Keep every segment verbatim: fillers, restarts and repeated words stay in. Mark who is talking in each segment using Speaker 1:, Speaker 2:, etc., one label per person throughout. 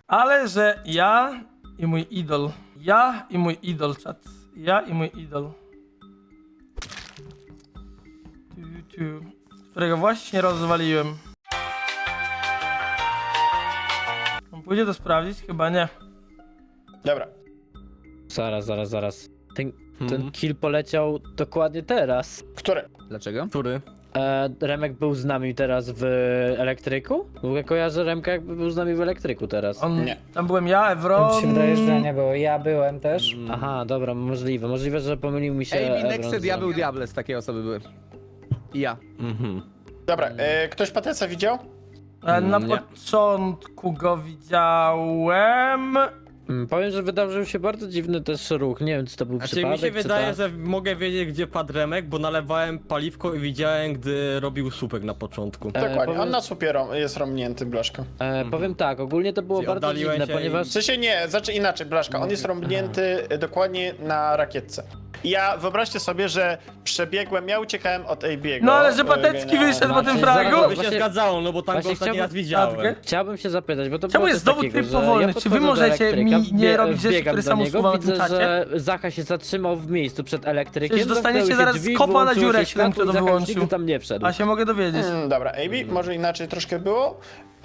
Speaker 1: Ale że ja i mój idol. Ja i mój idol, czat. Ja i mój idol. Tu, tu. Którego właśnie rozwaliłem. On pójdzie to sprawdzić? Chyba nie.
Speaker 2: Dobra.
Speaker 3: Zaraz, zaraz, zaraz. Ten, ten
Speaker 4: Hmm.
Speaker 3: kill poleciał dokładnie teraz.
Speaker 2: Które?
Speaker 5: Dlaczego?
Speaker 4: Który?
Speaker 3: E, Remek był z nami teraz w elektryku? W ogóle kojarzę Remka jakby był z nami w elektryku teraz.
Speaker 1: On,
Speaker 2: Nie.
Speaker 1: Tam byłem ja,
Speaker 6: Mi
Speaker 1: Evron.
Speaker 6: się wydaje, że nie było. Ja byłem też.
Speaker 3: Aha, dobra, możliwe. Możliwe, że pomylił mi się
Speaker 5: Ej,
Speaker 3: Evron
Speaker 5: Nexted,
Speaker 3: z
Speaker 5: ja
Speaker 3: Remkiem.
Speaker 5: był Diables, takie osoby były. I ja.
Speaker 4: Mhm.
Speaker 2: Dobra, e, ktoś Pateca widział?
Speaker 1: E, Na
Speaker 3: Nie.
Speaker 1: początku go widziałem.
Speaker 3: Mm, Powiem, że wydarzył się bardzo dziwny też ruch. Nie wiem, czy to był
Speaker 4: Znaczy
Speaker 3: przypadek,
Speaker 4: mi się
Speaker 3: czy
Speaker 4: wydaje,
Speaker 3: tak.
Speaker 4: że mogę wiedzieć, gdzie padł Remek, bo nalewałem paliwko i widziałem, gdy robił słupek na początku.
Speaker 3: E,
Speaker 2: Dokładnie,
Speaker 3: powiem-
Speaker 2: on na słupie rom- jest rąbnięty, Blaszka.
Speaker 3: E, powiem tak, ogólnie to było
Speaker 4: Czyli
Speaker 3: bardzo
Speaker 4: oddaliłem
Speaker 3: dziwne,
Speaker 4: się i-
Speaker 3: ponieważ...
Speaker 2: W sensie nie, znaczy inaczej, Blaszka, on jest rąbnięty e, dokładnie na rakietce. I ja, wyobraźcie sobie, że przebiegłem, ja uciekałem od A B'ego.
Speaker 1: No ale że
Speaker 2: e,
Speaker 1: Patecki
Speaker 2: na-
Speaker 1: wyszedł po
Speaker 3: Znaczy,
Speaker 1: tym
Speaker 3: zaraz,
Speaker 1: fragu.
Speaker 4: To by się
Speaker 3: Właśnie-
Speaker 4: zgadzało, no bo tam go
Speaker 3: właśnie
Speaker 4: ostatni raz
Speaker 3: chciałbym-
Speaker 4: widziałem.
Speaker 1: Tatkę?
Speaker 3: Chciałbym się zapytać, bo to
Speaker 1: Czemu
Speaker 3: było
Speaker 1: jest
Speaker 3: coś
Speaker 1: dowód
Speaker 3: takiego,
Speaker 1: tryb
Speaker 3: że
Speaker 1: powolny?
Speaker 3: ja
Speaker 1: Czy wy
Speaker 3: podchodzę do
Speaker 1: możecie
Speaker 3: elektryka,
Speaker 1: mi nie
Speaker 3: wbie-
Speaker 1: robić rzeczy,
Speaker 3: wbiegam
Speaker 1: które
Speaker 3: do
Speaker 1: sam
Speaker 3: niego,
Speaker 1: usuwam w
Speaker 3: widzę,
Speaker 1: tym czacie?
Speaker 3: że Zacha się zatrzymał w miejscu przed elektrykiem.
Speaker 1: Przecież dostaniecie
Speaker 3: zamknęły się
Speaker 1: zaraz
Speaker 3: drzwi,
Speaker 1: kopa na
Speaker 3: wyłączyło
Speaker 1: dziurę,
Speaker 3: się
Speaker 1: jak ten, kto
Speaker 3: światło
Speaker 1: to
Speaker 3: i Zacha już
Speaker 1: wyłączył.
Speaker 3: nigdy tam nie wszedł.
Speaker 1: A się mogę dowiedzieć.
Speaker 2: Mm, dobra, A B, może inaczej troszkę było.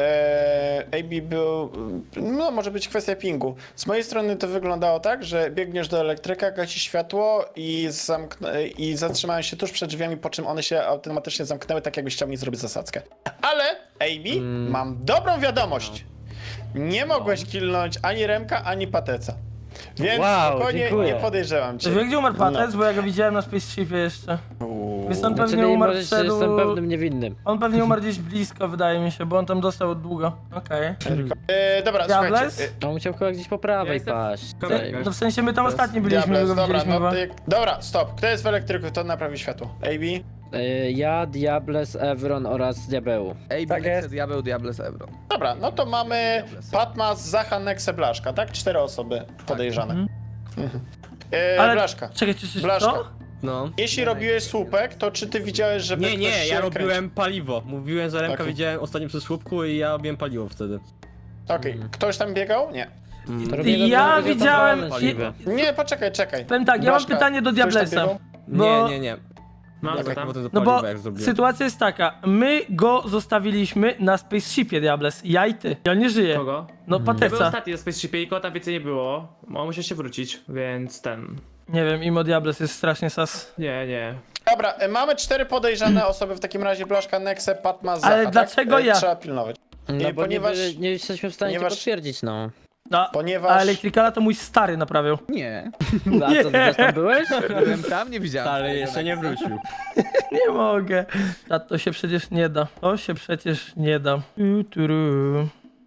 Speaker 2: Eee, A B był, no może być kwestia pingu. Z mojej strony to wyglądało tak, że biegniesz do elektryka, gasi światło i, zamknę, i zatrzymałem się tuż przed drzwiami, po czym one się automatycznie zamknęły, tak jakbyś chciał mi zrobić zasadzkę. Ale A B,
Speaker 3: Mm.
Speaker 2: mam dobrą wiadomość. Nie mogłeś killnąć ani Remka, ani Pateca. Więc
Speaker 3: Wow,
Speaker 2: spokojnie
Speaker 3: dziękuję.
Speaker 2: nie podejrzewam cię.
Speaker 1: Czy wie, gdzie umarł Patec?
Speaker 2: No.
Speaker 1: Bo ja go widziałem na Spaceshipie jeszcze. Więc on
Speaker 3: Znaczy,
Speaker 1: pewnie
Speaker 3: nie
Speaker 1: umarł
Speaker 3: możesz,
Speaker 1: przed...
Speaker 3: jestem pewnym niewinnym.
Speaker 1: On pewnie umarł gdzieś blisko, wydaje mi się, bo on tam dostał długo. Okej.
Speaker 2: Eee, dobra,
Speaker 1: Diables?
Speaker 2: słuchajcie.
Speaker 3: On musiał chyba gdzieś po prawej
Speaker 4: jestem-
Speaker 3: paść.
Speaker 4: Korek.
Speaker 1: No w sensie my tam ostatni byliśmy,
Speaker 2: Diables,
Speaker 1: my go
Speaker 2: dobra,
Speaker 1: widzieliśmy
Speaker 2: no,
Speaker 1: chyba.
Speaker 2: ty, dobra, stop. Kto jest w elektryku, to naprawi światło. A B?
Speaker 3: E, Ja, Diables, Evron oraz Diabeł.
Speaker 5: Ej,
Speaker 6: Tak
Speaker 5: Nexted,
Speaker 6: jest.
Speaker 5: ja był Diables, Ebron.
Speaker 2: Dobra, no to mamy Patmas, Zacha, Nexe, Blaszka, tak? Cztery osoby podejrzane. Mhm. E,
Speaker 1: Ale-
Speaker 2: Blaszka,
Speaker 1: Czekaj, czy czy
Speaker 2: Blaszka.
Speaker 1: co?
Speaker 4: No.
Speaker 2: jeśli robiłeś słupek, to czy ty widziałeś, żeby
Speaker 4: Nie,
Speaker 2: ktoś
Speaker 4: nie,
Speaker 2: się
Speaker 4: ja
Speaker 2: kręcił?
Speaker 4: robiłem paliwo. Mówiłem, że Remka
Speaker 2: Okej.
Speaker 4: widziałem ostatnio przy słupku i ja robiłem paliwo wtedy.
Speaker 2: Okej, ktoś tam biegał? Nie.
Speaker 3: To robię
Speaker 1: Ja
Speaker 3: dobrze, że
Speaker 1: widziałem-
Speaker 3: tam paliwe.
Speaker 2: Nie, poczekaj, czekaj.
Speaker 1: Powiem tak, ja mam
Speaker 2: Blaszka,
Speaker 1: pytanie do
Speaker 2: ktoś tam
Speaker 1: Diablesa.
Speaker 2: biegał?
Speaker 1: Bo-
Speaker 4: Nie, nie, nie.
Speaker 7: No,
Speaker 4: Jak
Speaker 7: co
Speaker 4: jak
Speaker 7: tam?
Speaker 4: potem to
Speaker 1: No
Speaker 4: paliwo
Speaker 1: bo
Speaker 4: jak zrobiłem.
Speaker 1: sytuacja jest taka, my go zostawiliśmy na Spaceshipie, Diables, ja i ty. I on nie żyje.
Speaker 7: Kogo?
Speaker 1: No
Speaker 7: Ja byłem
Speaker 1: Pateca.
Speaker 7: ostatni do Spaceshipie i go tam więcej nie było. On musiał się wrócić, więc ten...
Speaker 1: Nie wiem, Imo Diables jest strasznie sas.
Speaker 7: Nie, nie.
Speaker 2: Dobra, e, mamy cztery podejrzane osoby, w takim razie Blaszka, Nexe, Patmas, Zacha,
Speaker 1: Ale
Speaker 2: tak?
Speaker 1: dlaczego
Speaker 2: E,
Speaker 1: ja?
Speaker 2: Trzeba pilnować.
Speaker 3: No
Speaker 2: Nie,
Speaker 3: bo
Speaker 2: ponieważ-
Speaker 3: nie, nie jesteśmy w stanie
Speaker 2: ponieważ-
Speaker 3: cię potwierdzić, no.
Speaker 1: No,
Speaker 2: Ponieważ...
Speaker 1: a Electricala to mój stary naprawiał.
Speaker 5: Nie.
Speaker 3: A co, ty też tam byłeś?
Speaker 5: Byłem tam, nie widziałem.
Speaker 4: Ale jeszcze nie wrócił.
Speaker 1: Nie mogę. A to się przecież nie da. To się przecież nie da. Tu, turu.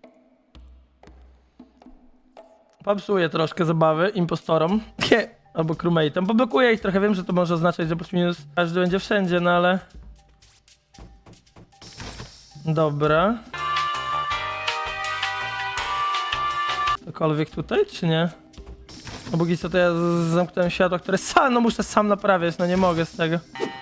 Speaker 1: Popsuję troszkę zabawy impostorom. Nie. Albo crewmate'om. Poblokuję ich trochę. Wiem, że to może oznaczać, że plus minus każdy będzie wszędzie, no ale... Dobra. Cokolwiek tutaj, czy nie? No póki co to ja z- zamknąłem światła, które sam, no muszę sam naprawiać, no nie mogę z tego.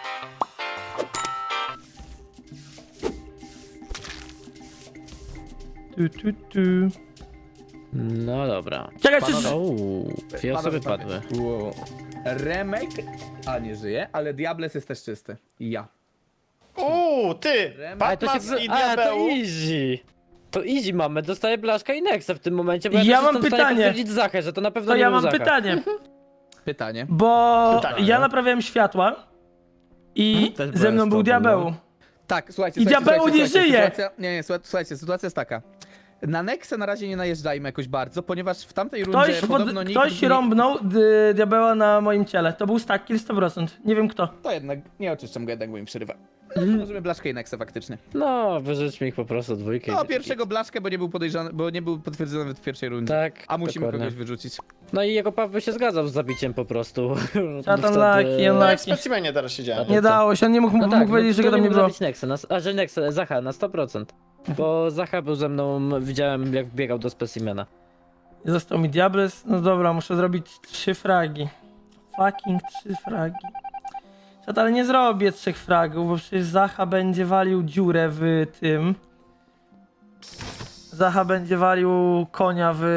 Speaker 1: Tu, tu, tu.
Speaker 3: No dobra.
Speaker 1: Czekaj, czy...
Speaker 5: Panowie.
Speaker 3: Uuu, dwie osoby
Speaker 5: Panowie,
Speaker 3: padły.
Speaker 5: panowie. Wow. Remek, a nie żyje, ale Diables jest też czysty. I ja.
Speaker 2: Uuu, ty!
Speaker 3: Ale to się...
Speaker 2: Patmas i
Speaker 3: A, to
Speaker 2: Diabeł.
Speaker 3: easy. To easy mamy, dostaję Blaszka i Nexa w tym momencie, bo ja,
Speaker 1: Ja
Speaker 3: też
Speaker 1: mam
Speaker 3: jestem w stanie
Speaker 1: pytanie.
Speaker 3: potwierdzić Zachę, że to na pewno
Speaker 1: To
Speaker 3: nie
Speaker 1: ja
Speaker 3: był
Speaker 1: mam
Speaker 3: Zacha.
Speaker 1: pytanie,
Speaker 5: Pytanie.
Speaker 1: bo
Speaker 2: Pytanie,
Speaker 1: ja
Speaker 2: no.
Speaker 1: naprawiałem światła i
Speaker 4: Też
Speaker 1: ze
Speaker 4: byłem
Speaker 1: mną
Speaker 4: z
Speaker 1: był
Speaker 4: tobą,
Speaker 1: diabeł.
Speaker 4: no.
Speaker 5: Tak, słuchajcie,
Speaker 1: I
Speaker 5: słuchajcie,
Speaker 1: Diabeł
Speaker 5: słuchajcie,
Speaker 1: nie
Speaker 5: słuchajcie,
Speaker 1: żyje!
Speaker 5: Sytuacja, nie, nie, słuchajcie, słuchajcie, sytuacja jest taka. Na Nexę na razie nie najeżdżajmy jakoś bardzo, ponieważ w tamtej rundzie
Speaker 1: Ktoś, pod,
Speaker 5: podobno nikt...
Speaker 1: ktoś
Speaker 5: nie-
Speaker 1: rąbnął d- diabeła na moim ciele. To był stack kill sto procent. Nie wiem kto.
Speaker 5: To jednak, nie oczyszczam go jednak, bo mi przerywa.
Speaker 1: Mhm.
Speaker 5: Możemy Blaszkę i Nexę faktycznie.
Speaker 3: No, wyrzućmy ich po prostu dwójkę. i
Speaker 5: No,
Speaker 3: będzie
Speaker 5: pierwszego Blaszkę, bo nie był podejrzany, bo nie był potwierdzony w pierwszej rundzie.
Speaker 3: Tak,
Speaker 5: A musimy
Speaker 3: dokładnie.
Speaker 5: kogoś wyrzucić.
Speaker 3: No i jego Paweł się zgadzał z zabiciem po prostu.
Speaker 1: Shut
Speaker 3: Bo
Speaker 1: unlucky,
Speaker 3: wtedy-
Speaker 2: No jak w
Speaker 1: unlucky.
Speaker 2: specimenie teraz siedziałem.
Speaker 1: Nie dało się, on nie mógł,
Speaker 3: No
Speaker 1: mógł
Speaker 3: tak,
Speaker 1: powiedzieć, że
Speaker 3: no,
Speaker 1: go tam nie
Speaker 3: mógł
Speaker 1: było.
Speaker 3: zabić Nexa, na, a że Nexa, Zacha na sto procent. Bo Zacha był ze mną, widziałem jak biegał do specimena.
Speaker 1: Został mi Diables. No dobra, muszę zrobić trzy fragi. Fucking trzy fragi. Czat, ale nie zrobię trzech fragów, bo przecież Zacha będzie walił dziurę w tym. Zacha będzie walił konia w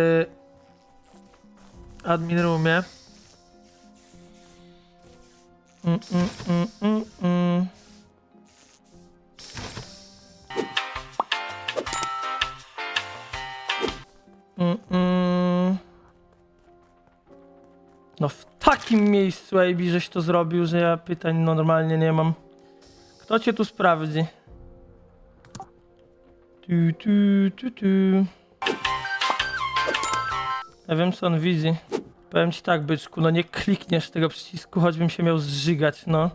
Speaker 1: admin roomie. Mm, mm, mm, mm, mm. Mm, mm. No w takim miejscu, A B, żeś to zrobił, że ja pytań no, normalnie nie mam. Kto cię tu sprawdzi? Tu, tu, tu, tu. Ja wiem, co on widzi. Powiem ci tak, byczku, no nie klikniesz tego przycisku, choćbym się miał zżygać, no.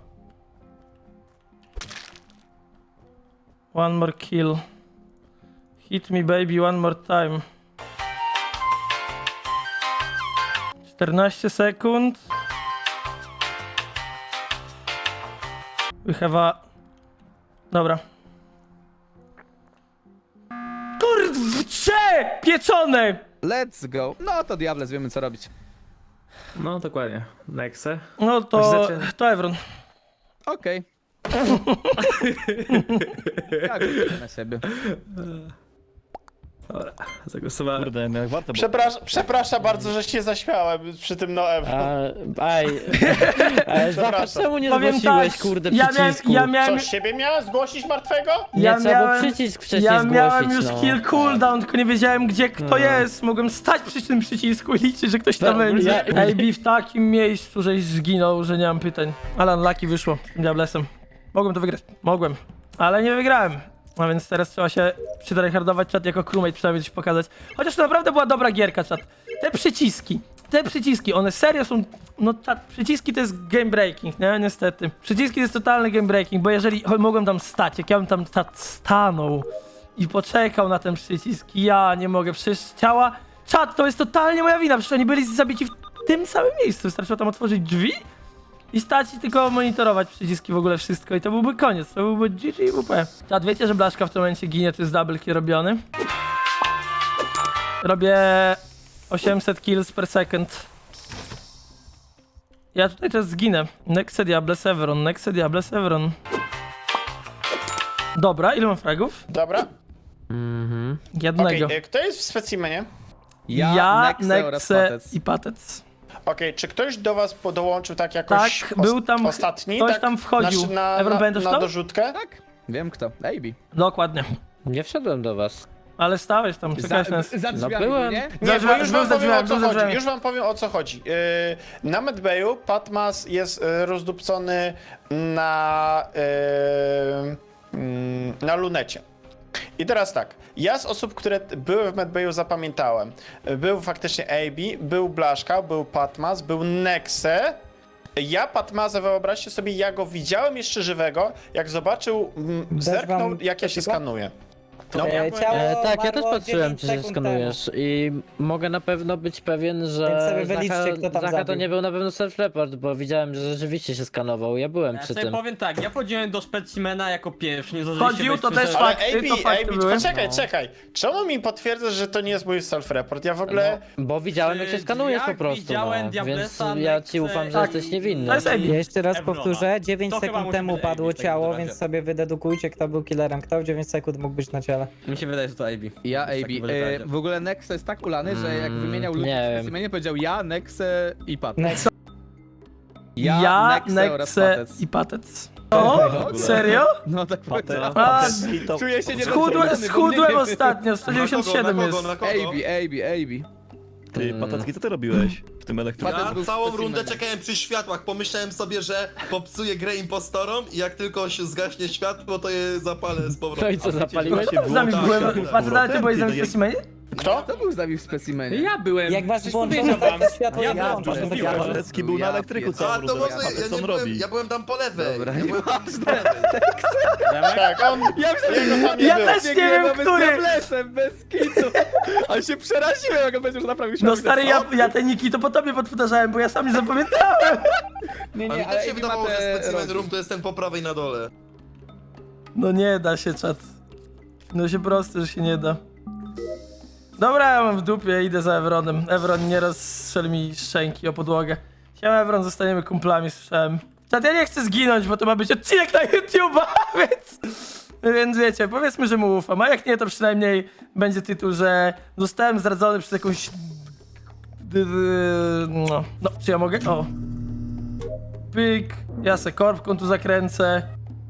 Speaker 1: One more kill. Hit me baby one more time. czternaście sekund. We have a... Dobra. Kurczę! Pieczone!
Speaker 5: Let's go. No to Diables, wiemy co robić.
Speaker 7: No dokładnie. Nexe.
Speaker 1: No to...
Speaker 7: Zaczyna.
Speaker 1: to Evron.
Speaker 5: Okej. Tak, na siebie.
Speaker 7: Dobra, zagłosowałem.
Speaker 8: Kurde, no jak warto było.
Speaker 2: Przepraszam, przepraszam bardzo, że się zaśmiałem przy tym no Ewo.
Speaker 3: A, aj, a, Zacha,
Speaker 2: Przepraszam.
Speaker 3: czemu nie
Speaker 1: Powiem
Speaker 3: zgłosiłeś,
Speaker 1: tak,
Speaker 3: kurde,
Speaker 1: ja miałem,
Speaker 3: przycisku?
Speaker 1: ja miałem,
Speaker 2: Co, siebie miałem zgłosić martwego?
Speaker 3: Nie,
Speaker 1: ja
Speaker 3: trzeba było
Speaker 1: miałem-
Speaker 3: przycisk wcześniej
Speaker 1: ja
Speaker 3: zgłosić,
Speaker 1: miałem już
Speaker 3: no.
Speaker 1: kill cooldown, tylko nie wiedziałem gdzie kto
Speaker 3: No.
Speaker 1: jest. Mogłem stać przy tym przycisku i liczyć, że ktoś tam
Speaker 3: No,
Speaker 1: będzie.
Speaker 3: ja-
Speaker 1: A B w takim miejscu, żeś zginął, że nie mam pytań. Ale unlucky wyszło z tym Diablesem. Mogłem to wygrać, mogłem, ale nie wygrałem. A więc teraz trzeba się przytryhardować czat jako crewmate, przynajmniej coś pokazać. Chociaż to naprawdę była dobra gierka, czat. Te przyciski, te przyciski, one serio są... No czat, przyciski to jest game breaking, nie? Niestety. Przyciski to jest totalny game breaking, bo jeżeli cho- mogłem tam stać, jak ja bym tam czat stanął i poczekał na ten przycisk, ja nie mogę, przecież ciała... Czat, to jest totalnie moja wina, przecież oni byli zabici w tym samym miejscu, wystarczyło tam otworzyć drzwi i stać i tylko monitorować przyciski w ogóle wszystko i to byłby koniec, to byłby G G W P. Czad, wiecie, że Blaszka w tym momencie ginie, to jest double kill robiony. Robię osiemset kills per second. Ja tutaj też zginę. Nexe Diable Severon, Nexe Diable Severon. Dobra, ile mam fragów?
Speaker 2: Dobra.
Speaker 3: Mhm.
Speaker 1: Jednego.
Speaker 2: Okej, e, kto jest w specimenie?
Speaker 5: Ja,
Speaker 1: ja
Speaker 5: Nexe oraz
Speaker 1: Nexe
Speaker 5: Patec.
Speaker 1: i Patec.
Speaker 2: Okej, czy ktoś do was po- dołączył tak jakoś
Speaker 1: Tak,
Speaker 2: os-
Speaker 1: był tam-
Speaker 2: ostatni?
Speaker 1: ktoś
Speaker 2: tak?
Speaker 1: tam wchodził.
Speaker 2: Na, na,
Speaker 1: Evron,
Speaker 2: na,
Speaker 1: pamiętasz
Speaker 2: na
Speaker 1: to?
Speaker 2: dorzutkę?
Speaker 5: Tak, wiem kto. A B.
Speaker 1: Dokładnie.
Speaker 3: Nie wszedłem do was.
Speaker 1: Ale stałeś tam,
Speaker 5: Za,
Speaker 1: czekałeś na nas.
Speaker 5: za drzwiami,
Speaker 3: No byłem.
Speaker 5: nie?
Speaker 2: Nie,
Speaker 1: Za
Speaker 2: bo już
Speaker 1: drzwiami,
Speaker 2: wam
Speaker 1: za
Speaker 2: powiem o
Speaker 1: drzwiami,
Speaker 2: co
Speaker 1: za
Speaker 2: chodzi.
Speaker 1: drzwiami.
Speaker 2: Już wam powiem o co chodzi. Yy, na Medbayu Patmas jest yy, rozdupcony na, yy, mm, na lunecie. I teraz tak, ja z osób, które t- były w Medbayu zapamiętałem. Był faktycznie A B, był Blaszka, był Patmas, był Nexe. Ja Patmazę, wyobraźcie sobie, ja go widziałem jeszcze żywego, jak zobaczył, mm,
Speaker 6: Dasz
Speaker 2: zerknął
Speaker 6: wam
Speaker 2: jak ja się
Speaker 6: tylko?
Speaker 2: skanuję. No,
Speaker 6: E, ciało
Speaker 3: E, tak, ja też
Speaker 6: umarło
Speaker 3: patrzyłem,
Speaker 6: dziewięć
Speaker 3: czy się
Speaker 6: sekund
Speaker 3: skanujesz i mogę na pewno być pewien,
Speaker 6: Więc
Speaker 3: że
Speaker 6: sobie wyliczcie,
Speaker 3: Zacha,
Speaker 6: kto tam
Speaker 3: Zacha to
Speaker 6: zabił.
Speaker 3: nie był na pewno self-report, bo widziałem, że rzeczywiście się skanował, ja byłem
Speaker 4: Ja
Speaker 3: przy
Speaker 4: sobie
Speaker 3: tym.
Speaker 4: powiem tak, ja wchodziłem do specimena jako pierwszy, nie zdążyliście
Speaker 1: Chodził,
Speaker 4: wejść
Speaker 1: to
Speaker 4: w
Speaker 1: też
Speaker 4: sensie-
Speaker 2: Ale
Speaker 1: fakty, to
Speaker 2: A B,
Speaker 1: fakty
Speaker 2: A B,
Speaker 1: były.
Speaker 2: poczekaj,
Speaker 3: No.
Speaker 2: czekaj. Czemu mi potwierdzasz, że to nie jest mój self-report? Ja w ogóle...
Speaker 3: No, bo widziałem, jak się
Speaker 4: Przy
Speaker 3: skanujesz po
Speaker 4: drzwiach
Speaker 3: prostu,
Speaker 4: widziałem
Speaker 3: no, więc
Speaker 4: Diablesa,
Speaker 3: ja ci ufam, że
Speaker 1: Tak.
Speaker 3: jesteś niewinny.
Speaker 1: To jest A B.
Speaker 6: Ja jeszcze raz
Speaker 4: Evrona.
Speaker 6: powtórzę, dziewięć
Speaker 4: To chyba
Speaker 6: sekund
Speaker 4: musi
Speaker 6: temu
Speaker 4: być A B
Speaker 6: padło
Speaker 4: w takim
Speaker 6: ciało,
Speaker 4: razie.
Speaker 6: więc sobie wydedukujcie, kto był killerem, kto w dziewięć sekund mógł być na ciele.
Speaker 4: Mi się wydaje, że to A B.
Speaker 5: Ja
Speaker 4: W takim
Speaker 5: A B.
Speaker 4: razie
Speaker 5: E,
Speaker 4: razie.
Speaker 5: w ogóle Nexe jest tak ulany, że jak
Speaker 3: Mm,
Speaker 5: wymieniał ludzi
Speaker 3: nie
Speaker 5: w
Speaker 3: wiem.
Speaker 5: specimenie, powiedział ja, Nexe i Patec.
Speaker 6: Next.
Speaker 5: Ja,
Speaker 1: Ja,
Speaker 5: Nexe oraz
Speaker 1: Nexe
Speaker 5: Patec.
Speaker 1: i Patec. O, serio?
Speaker 5: No tak powiedział.
Speaker 1: A,
Speaker 5: Czuję się
Speaker 1: schudłem,
Speaker 5: niedoceniony, bo
Speaker 1: schudłem
Speaker 5: nie-
Speaker 1: ostatnio, sto dziewięćdziesiąt siedem jest.
Speaker 5: A B, A B, A B.
Speaker 8: Ty, Patacki, co ty robiłeś w tym elektryku?
Speaker 5: Patec
Speaker 9: Ja
Speaker 5: był
Speaker 9: całą
Speaker 5: specimenem.
Speaker 9: rundę czekałem przy światłach, pomyślałem sobie, że popsuję grę impostorom i jak tylko się zgaśnie światło, to je zapalę z powrotem.
Speaker 3: No i co, zapaliłeś?
Speaker 1: Kto z nami byłem? Patec, ale ty byłeś z nami w
Speaker 8: Ty,
Speaker 1: specimenie?
Speaker 2: Kto?
Speaker 5: Kto był z nami w specimenie?
Speaker 7: Ja byłem.
Speaker 6: Jak masz
Speaker 7: Przecież
Speaker 6: włączone
Speaker 7: powiedział wam.
Speaker 6: tak światło,
Speaker 4: Ja
Speaker 6: jak
Speaker 4: byłem,
Speaker 6: włączasz, to
Speaker 4: mówiłem.
Speaker 6: działa.
Speaker 8: Patecki był na
Speaker 5: Ja
Speaker 8: elektryku
Speaker 5: pierdolę.
Speaker 9: A,
Speaker 8: całą
Speaker 9: to
Speaker 8: rundę,
Speaker 9: może
Speaker 8: Patec,
Speaker 9: ja
Speaker 8: co
Speaker 9: nie
Speaker 8: on
Speaker 9: byłem,
Speaker 8: robi?
Speaker 9: ja byłem tam po lewej.
Speaker 5: Dobra,
Speaker 9: ja byłem tam po lewej.
Speaker 2: Tak, on...
Speaker 5: Ja myślałem,
Speaker 2: Jego tam nie
Speaker 1: Ja
Speaker 2: było.
Speaker 1: też nie wiem,
Speaker 5: Biegniemy z
Speaker 1: który.
Speaker 5: Diablesem, bez kitu. Ale się przeraziłem, jak on powiedział, że naprawił
Speaker 1: No
Speaker 5: światło.
Speaker 1: stary, ja, ja te niki to po tobie podpowtarzałem, bo ja sam nie zapamiętałem.
Speaker 5: Nie,
Speaker 9: A mi
Speaker 5: nie,
Speaker 9: też
Speaker 5: ale
Speaker 9: się
Speaker 5: A B ma
Speaker 9: wydawało, że
Speaker 5: te
Speaker 9: specimen
Speaker 5: rogi.
Speaker 9: room to jest ten po prawej na dole.
Speaker 1: No nie da się, czat. No się prosto, że się nie da. Dobra, ja mam w dupie, idę za Evronem. Evron, nie rozstrzel mi szczęki o podłogę. Siema Evron, zostaniemy kumplami, słyszałem. Czat, ja nie chcę zginąć, bo to ma być odcinek na YouTube'a, więc... Więc wiecie, powiedzmy, że mu ufam, a jak nie, to przynajmniej będzie tytuł, że zostałem zdradzony przez jakąś... No, no czy ja mogę? O. Pyk, ja se korbką tu zakręcę.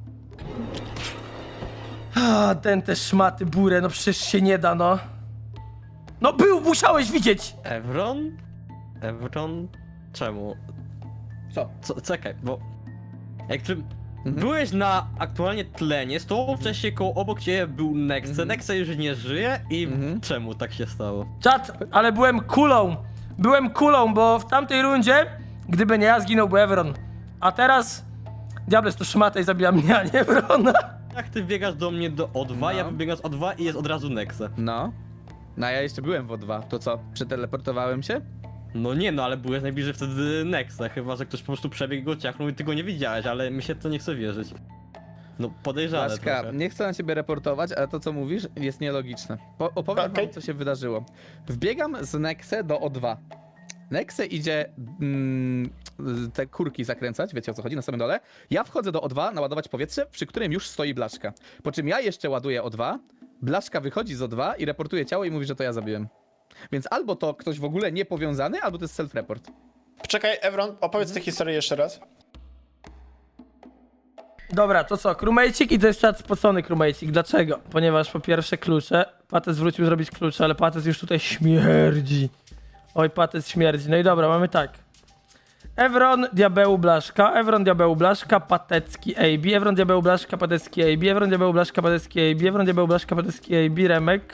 Speaker 1: A, ten te szmaty burę, no przecież się nie da, no. No był, musiałeś widzieć!
Speaker 4: Evron? Evron? Czemu?
Speaker 5: Co?
Speaker 4: Co? Czekaj, bo... Jak przy... Byłeś na aktualnie tlenie, z tobą wcześniej koło obok ciebie był Nexe, Nexe już nie żyje i
Speaker 5: Mhm.
Speaker 4: czemu tak się stało?
Speaker 1: Czad, ale byłem kulą. Byłem kulą, bo w tamtej rundzie, gdyby nie ja, zginąłby Evron. A teraz... Diables to szmata i zabija mnie, a nie Evrona.
Speaker 4: Jak ty biegasz do mnie do O dwa,
Speaker 5: No.
Speaker 4: ja wybiegam z O dwa i jest od razu Nexe.
Speaker 5: No. No a ja jeszcze byłem w O dwa. To co? Przeteleportowałem się?
Speaker 4: No nie no, ale byłeś najbliżej wtedy Nexe, chyba że ktoś po prostu przebiegł go ciachnął i ty go nie widziałeś, ale mi się to nie chce wierzyć. No podejrzane
Speaker 5: Blaszka,
Speaker 4: trochę.
Speaker 5: nie chcę na ciebie reportować, ale to co mówisz jest nielogiczne. Po opowiem
Speaker 2: Okej.
Speaker 5: wam, co się wydarzyło. Wbiegam z Nexe do O dwa. Nexe idzie mm, te kurki zakręcać, wiecie o co chodzi, na samym dole. Ja wchodzę do O dwa, naładować powietrze, przy którym już stoi Blaszka. Po czym ja jeszcze ładuję O dwa, Blaszka wychodzi z O dwa i reportuje ciało i mówi, że to ja zabiłem. Więc albo to ktoś w ogóle niepowiązany, albo to jest self-report.
Speaker 2: Czekaj, Evron, opowiedz tę historię jeszcze raz.
Speaker 1: Dobra, to co? Krumejcik i to jest czat spocony krumejcik. Dlaczego? Ponieważ po pierwsze klucze. Pates wrócił zrobić klucze, ale Pates już tutaj śmierdzi. Oj, Pates śmierdzi. No i dobra, mamy tak. Evron, Diabeł, Blaszka, Evron, Diabeł, Blaszka, Patecki, A B, Evron, Diabeł, Blaszka, Patecki, A B, Evron, Diabeł, Blaszka, Patecki, A B, Evron, Diabeł, Blaszka, Patecki, A B, Remek.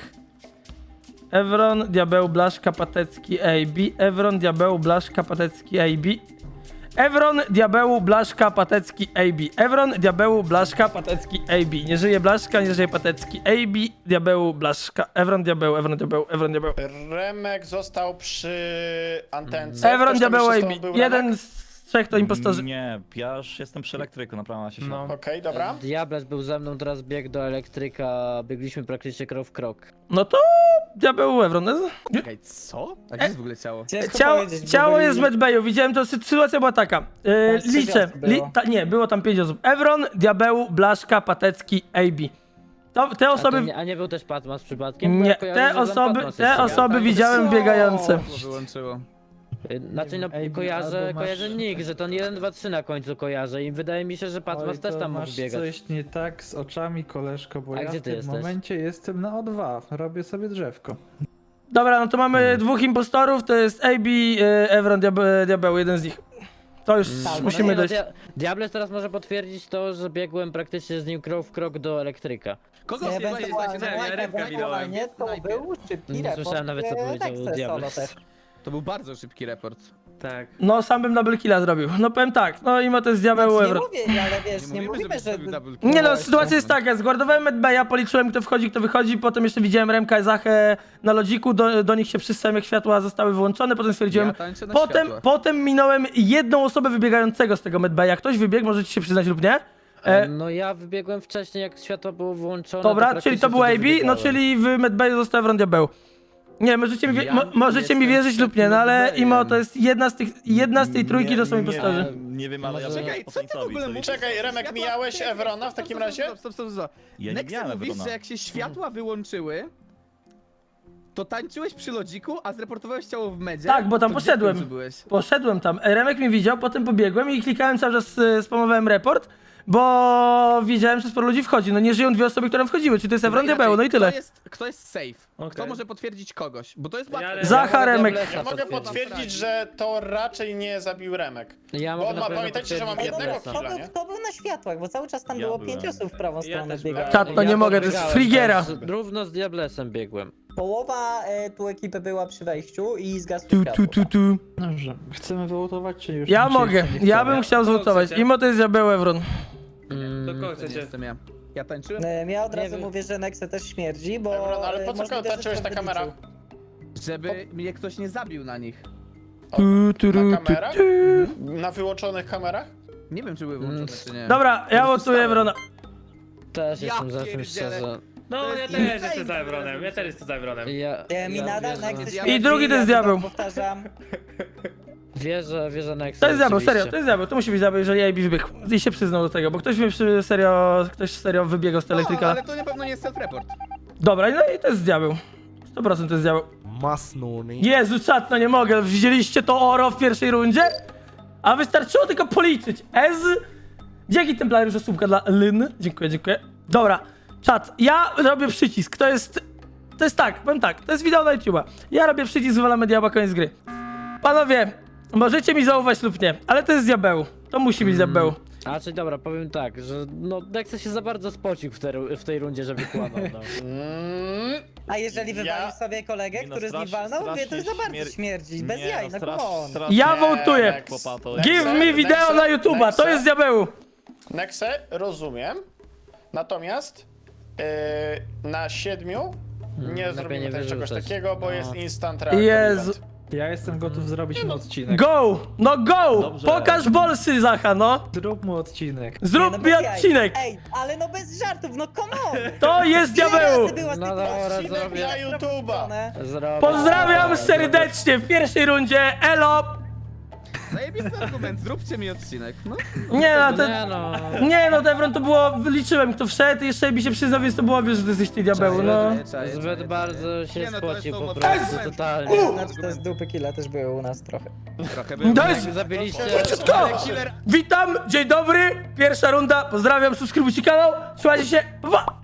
Speaker 1: Evron, Diabeł, Blaszka, Patecki, A B, Evron, Diabeł, Blaszka, Patecki, A B. Evron, Diabeł, Blaszka, Patecki, A B. Evron, Diabeł, Blaszka, Patecki, A B. Nie żyje Blaszka, nie żyje Patecki, A B, Diabeł, Blaszka. Evron, Diabeł, Evron, Diabeł, Evron, Diabeł.
Speaker 2: Remek został przy antence.
Speaker 1: Evron,
Speaker 2: Ktoś tam
Speaker 1: Diabeł,
Speaker 2: jeszcze
Speaker 1: A
Speaker 2: z
Speaker 1: B.
Speaker 2: tobą był,
Speaker 1: Jeden
Speaker 2: Remek?
Speaker 1: z trzech to impostorzy.
Speaker 8: Nie, ja już jestem przy elektryku, naprawdę się
Speaker 7: No.
Speaker 2: Okej, dobra.
Speaker 3: Diables był ze mną, teraz biegł do elektryka, biegliśmy praktycznie krok w krok.
Speaker 1: No to Diabeł, Evron.
Speaker 5: Czekaj, co? A gdzie jest w ogóle ciało?
Speaker 6: Ciężko
Speaker 1: Ciało,
Speaker 6: powiedzieć, bo
Speaker 1: ciało
Speaker 6: byli-
Speaker 1: jest w medbayu, widziałem to, sy- sytuacja była taka. Yy,
Speaker 6: Tam
Speaker 1: liczę,
Speaker 6: sześć osób
Speaker 1: li,
Speaker 6: było.
Speaker 1: ta, nie, było tam pięć osób. Evron, Diabeł, Blaszka, Patecki, A B. To, te
Speaker 3: A, to
Speaker 1: osoby...
Speaker 3: nie, a nie był też Patmas przypadkiem? Bo
Speaker 1: Nie,
Speaker 3: ja kojarzę,
Speaker 1: te
Speaker 3: że tam
Speaker 1: osoby,
Speaker 3: Patmas
Speaker 1: te
Speaker 3: jeszcze był.
Speaker 1: osoby
Speaker 5: tak.
Speaker 1: widziałem
Speaker 5: Co?
Speaker 1: biegające.
Speaker 5: To wyłączyło.
Speaker 3: Y, Znaczy no
Speaker 10: Ej, albo
Speaker 3: kojarzę,
Speaker 10: masz-
Speaker 3: kojarzę nick, że to jeden, dwa, trzy na końcu kojarzę i wydaje mi się, że Patmas
Speaker 10: Oj,
Speaker 3: też
Speaker 10: to
Speaker 3: tam mógł
Speaker 10: masz
Speaker 3: biegać.
Speaker 10: coś nie tak z oczami, koleżko, bo
Speaker 3: A
Speaker 10: ja
Speaker 3: gdzie
Speaker 10: w
Speaker 3: ty
Speaker 10: tym
Speaker 3: jesteś?
Speaker 10: momencie jestem na O dwa, robię sobie drzewko.
Speaker 1: Dobra, no to mamy
Speaker 3: Hmm.
Speaker 1: dwóch impostorów, to jest A B, y, Evron, Diabeł, Diabeł, jeden z nich. To już
Speaker 3: Tak,
Speaker 1: musimy
Speaker 3: no,
Speaker 1: dojść.
Speaker 3: Dia- Diables teraz może potwierdzić to, że biegłem praktycznie z nim krok w krok do elektryka.
Speaker 5: Kogo
Speaker 6: Nie,
Speaker 5: się
Speaker 6: ewentualnie,
Speaker 5: znacie na
Speaker 6: ewentualnie to był szybki
Speaker 3: Nie
Speaker 6: report,
Speaker 3: słyszałem nawet, co
Speaker 6: e,
Speaker 3: powiedział
Speaker 6: Nexe solo
Speaker 3: Diables.
Speaker 6: też.
Speaker 5: To był bardzo szybki report.
Speaker 7: Tak.
Speaker 1: No, sam bym double killa zrobił. No powiem tak, no i ma to jest Diabeł,
Speaker 6: Znaczy, nie
Speaker 1: Evron.
Speaker 6: mówię, ale wiesz, nie,
Speaker 5: Nie mówimy,
Speaker 6: mówimy,
Speaker 5: żebyś
Speaker 6: że...
Speaker 5: zrobił double kill.
Speaker 1: Nie no,
Speaker 6: właśnie.
Speaker 1: sytuacja jest taka, zguardowałem medbaya, policzyłem kto wchodzi, kto wychodzi, potem jeszcze widziałem Remka i Zachę na lodziku, do, do nich się przystałem jak światła zostały wyłączone, potem stwierdziłem...
Speaker 5: Ja tańczę na
Speaker 1: Potem,
Speaker 5: światłach.
Speaker 1: potem minąłem jedną osobę wybiegającego z tego medbaya. Ktoś wybiegł, możecie się przyznać lub nie? E,
Speaker 3: No ja wybiegłem wcześniej, jak światło było włączone.
Speaker 1: Dobra,
Speaker 3: to
Speaker 1: czyli to był
Speaker 3: praktycznie
Speaker 1: A B,
Speaker 3: wtedy
Speaker 1: no
Speaker 3: wybiegałem.
Speaker 1: czyli w medbayu został Evron Diabeł. Nie, możecie mi, wie,
Speaker 5: Ja
Speaker 1: mo, możecie mi
Speaker 5: jestem
Speaker 1: wierzyć lub nie, no ale
Speaker 5: medbayem.
Speaker 1: Imo, to jest jedna z tych, jedna z tej trójki,
Speaker 8: Nie-
Speaker 1: to są
Speaker 8: nie-
Speaker 1: impostorzy.
Speaker 8: Nie wiem, ale ja
Speaker 3: Może-
Speaker 8: bym
Speaker 5: Czekaj,
Speaker 8: po
Speaker 5: co ty w
Speaker 8: Saintowi,
Speaker 5: ogóle
Speaker 8: co
Speaker 5: mówisz?
Speaker 8: jest-
Speaker 2: Czekaj, Remek,
Speaker 5: Światła-
Speaker 2: mijałeś
Speaker 5: Czekaj,
Speaker 2: Evrona
Speaker 5: stop,
Speaker 2: w takim
Speaker 5: stop,
Speaker 2: razie?
Speaker 5: Stop, stop, stop, stop.
Speaker 8: Ja nie
Speaker 5: Nexe
Speaker 8: miałem
Speaker 5: mówisz,
Speaker 8: Evrona.
Speaker 5: że jak się światła wyłączyły, to tańczyłeś przy lodziku, a zreportowałeś ciało w medzie?
Speaker 1: Tak, bo tam
Speaker 5: to gdzie w
Speaker 1: poszedłem.
Speaker 5: końcu byłeś?
Speaker 1: Poszedłem tam, Remek mnie widział, potem pobiegłem i klikałem cały czas, y, spamowałem report, bo widziałem, że sporo ludzi wchodzi. No nie żyją dwie osoby, które wchodziły, czyli to jest Evron
Speaker 5: Dobra,
Speaker 1: Diabeł, no i
Speaker 5: inaczej,
Speaker 1: tyle.
Speaker 5: Kto jest, kto jest safe? Kto
Speaker 7: Okej.
Speaker 5: może potwierdzić kogoś? Bo to jest
Speaker 7: Ja-
Speaker 5: łatwe.
Speaker 1: Zacha,
Speaker 3: mogę
Speaker 1: Remek.
Speaker 3: Diablesa
Speaker 2: Ja mogę
Speaker 3: potwierdzić.
Speaker 2: potwierdzić, że to raczej nie zabił Remek.
Speaker 3: Ja
Speaker 2: Bo
Speaker 3: mogę
Speaker 2: ma-
Speaker 3: na pewno
Speaker 2: pamiętajcie, że mam
Speaker 3: potwierdzić
Speaker 2: jednego
Speaker 3: Diablesa.
Speaker 6: Kto
Speaker 2: killa,
Speaker 6: był,
Speaker 2: nie?
Speaker 6: kto był na światłach, bo cały czas tam
Speaker 8: Ja
Speaker 6: było
Speaker 8: byłem.
Speaker 6: pięć osób w prawą
Speaker 7: Ja
Speaker 6: stronę
Speaker 7: też
Speaker 6: biegających.
Speaker 1: Czat, no nie mogę, to jest
Speaker 3: podbiegałem,
Speaker 1: Frigiera.
Speaker 3: też Równo z Diablesem biegłem.
Speaker 6: Połowa e, tu ekipy była przy wejściu i zgasło
Speaker 1: Tu,
Speaker 6: światło.
Speaker 1: tu, tu, tu.
Speaker 10: Dobrze, chcemy wyłotować, czy już?
Speaker 1: Ja
Speaker 10: mi się
Speaker 1: mogę,
Speaker 10: jeszcze nie
Speaker 1: ja
Speaker 10: chce?
Speaker 1: bym chciał
Speaker 7: Kogo
Speaker 1: zlutować.
Speaker 7: chcecie?
Speaker 1: Imo to jest Diabeł, Evron.
Speaker 3: Mm,
Speaker 7: Do kogo
Speaker 5: To nie
Speaker 7: chcecie?
Speaker 5: jestem ja. Ja tańczyłem?
Speaker 6: E, Ja od
Speaker 3: Nie
Speaker 6: razu
Speaker 3: wiem.
Speaker 6: mówię, że Nexe też śmierdzi, bo...
Speaker 2: Evron, ale
Speaker 6: e,
Speaker 2: po co
Speaker 6: możliwe, że
Speaker 2: tańczyłeś na
Speaker 6: to
Speaker 2: kamerach?
Speaker 6: wyliczył.
Speaker 5: Żeby mnie ktoś nie zabił na nich.
Speaker 1: Tu, tu, tu,
Speaker 2: Na
Speaker 1: tu,
Speaker 2: kamerach?
Speaker 1: tu.
Speaker 2: Na wyłączonych kamerach?
Speaker 5: Nie wiem, czy były włączone, czy nie.
Speaker 1: Dobra, ja
Speaker 5: prostu
Speaker 1: wotuję
Speaker 5: stałem.
Speaker 1: Evrona.
Speaker 3: Też
Speaker 5: Ja
Speaker 3: jestem za tym
Speaker 5: pierdzielę.
Speaker 3: szczerze.
Speaker 7: No,
Speaker 5: To
Speaker 7: ja
Speaker 5: jest
Speaker 7: też
Speaker 5: insane,
Speaker 7: jestem za
Speaker 5: co
Speaker 7: Evronem,
Speaker 5: teraz
Speaker 7: ja też jestem za Evronem.
Speaker 3: Ja,
Speaker 6: E, Mi
Speaker 3: ja
Speaker 6: nadal
Speaker 3: wierzę.
Speaker 6: Nexe
Speaker 5: I
Speaker 6: śmierdzi,
Speaker 1: drugi to jest
Speaker 6: ja tylko
Speaker 1: diabeł.
Speaker 6: Powtarzam.
Speaker 3: Wierzę, wierzę Nexa.
Speaker 1: To jest diabeł,
Speaker 3: rzeczywiście.
Speaker 1: serio, to jest diabeł, to musi być diabeł, jeżeli A B wybiegł. I się przyznał do tego, bo ktoś mi przy, serio, ktoś serio wybiegał z
Speaker 5: No,
Speaker 1: elektryka.
Speaker 5: ale to na pewno nie jest self-report.
Speaker 1: Dobra, no i to jest diabeł. sto procent to jest diabeł.
Speaker 11: Masnuni.
Speaker 1: Jezu, czat, no nie mogę. Widzieliście to oro w pierwszej rundzie? A wystarczyło tylko policzyć. Ez. Dzięki Templariusz, osłówka dla Lyn. Dziękuję, dziękuję. Dobra, czat, ja robię przycisk. To jest... To jest tak, powiem tak, to jest wideo na YouTube'a. Ja robię przycisk, wywalamy diabła, koniec gry. Panowie, możecie mi zaufać lub nie, ale to jest diabeł. To musi być diabeł.
Speaker 3: A czyli dobra, powiem tak, że no Nexa się za bardzo spocił w, te, w tej rundzie, żeby kłamał, no.
Speaker 2: Mm,
Speaker 6: A jeżeli wywalił
Speaker 2: Ja-
Speaker 6: sobie kolegę,
Speaker 8: Nie no,
Speaker 6: który z nim
Speaker 8: strasz-
Speaker 6: walnął, mówię, to
Speaker 8: strasznie
Speaker 6: już za bardzo
Speaker 8: śmier-
Speaker 6: śmierdzi, bez
Speaker 8: Nie,
Speaker 6: jaj, no
Speaker 8: strasz-
Speaker 6: come on.
Speaker 8: strasznie-
Speaker 1: Ja
Speaker 2: Nie,
Speaker 1: wołtuję.
Speaker 2: Nexe,
Speaker 8: Chłopato.
Speaker 1: Give
Speaker 2: Nexe,
Speaker 1: me wideo
Speaker 2: Nexe,
Speaker 1: na YouTube'a, to
Speaker 2: Nexe.
Speaker 1: jest diabeł.
Speaker 2: Nexe, rozumiem. Natomiast yy, na siedmiu nie
Speaker 3: lepiej
Speaker 2: zrobimy
Speaker 3: nie
Speaker 2: też czegoś
Speaker 3: wyrzucać.
Speaker 2: takiego, bo
Speaker 3: No.
Speaker 2: jest instant reaction
Speaker 1: Jezu.
Speaker 2: event.
Speaker 10: Ja jestem gotów zrobić mu odcinek.
Speaker 1: Go! No go!
Speaker 8: Dobrze.
Speaker 1: Pokaż bolsy, Zacha, no.
Speaker 10: Zrób mu odcinek.
Speaker 6: Nie,
Speaker 1: Zrób
Speaker 6: no
Speaker 1: mi
Speaker 6: bez jaj.
Speaker 1: odcinek.
Speaker 6: Ej, ale no bez żartów, no come on!
Speaker 1: To jest
Speaker 6: Ile
Speaker 1: diabeł.
Speaker 6: razy była z
Speaker 3: No
Speaker 6: tych
Speaker 3: dobra,
Speaker 6: odcinek
Speaker 3: zrobię.
Speaker 2: Na YouTube'a.
Speaker 3: Zrobię.
Speaker 1: Pozdrawiam serdecznie w pierwszej rundzie. Elo!
Speaker 5: Zajebisty argument, zróbcie mi odcinek. No,
Speaker 1: Nie no, to...
Speaker 3: Nie no.
Speaker 1: Nie no, Devron to było... Wyliczyłem kto wszedł, jeszcze mi się przyznał, więc to było obvious, że ty jesteś ty diabeł, no.
Speaker 5: Czaję, czaję,
Speaker 3: Zbyt
Speaker 5: czaję.
Speaker 3: bardzo się
Speaker 5: Nie no, to
Speaker 3: spocił
Speaker 5: są
Speaker 3: po
Speaker 5: mocne
Speaker 3: prostu,
Speaker 5: argumenty.
Speaker 3: totalnie.
Speaker 6: Znaczy te z dupy killa też były u nas trochę.
Speaker 5: Trochę było.
Speaker 1: To jest...
Speaker 3: Jak zabiliście...
Speaker 1: To! Witam, dzień dobry, pierwsza runda, pozdrawiam, subskrybujcie kanał, trzymajcie się, pa!